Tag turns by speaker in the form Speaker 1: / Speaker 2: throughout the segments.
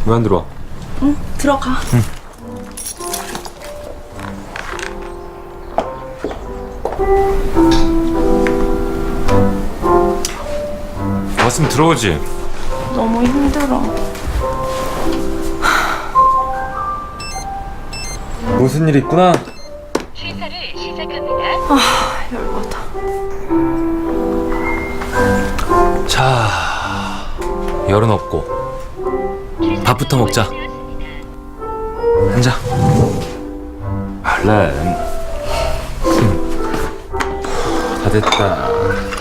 Speaker 1: 왜 안 들어와?
Speaker 2: 응, 들어가.
Speaker 1: 응. 왔으면 들어오지.
Speaker 2: 너무 힘들어.
Speaker 1: 무슨 일 있구나.
Speaker 3: 시사를 시작합니다.
Speaker 2: 열받아.
Speaker 1: 자, 열은 없고 밥부터 먹자. 앉아. 얼른. 다 됐다.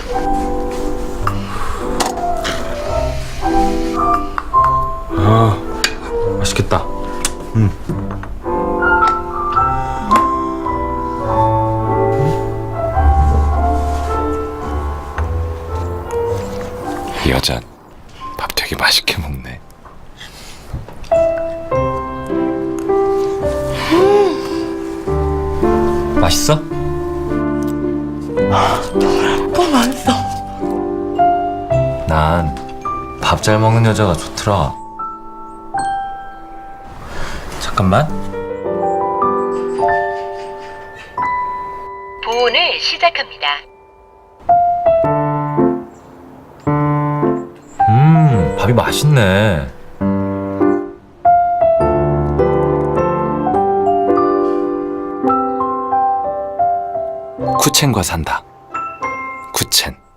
Speaker 1: 아, 맛있겠다. 이 여자 밥 되게 맛있게 먹네. 맛있어?
Speaker 2: 뭐 맛있어.
Speaker 1: 난 밥 잘 먹는 여자가 좋더라. 잠깐만.
Speaker 3: 보온을 시작합니다.
Speaker 1: 밥이 맛있네. 쿠첸과 산다. 쿠첸.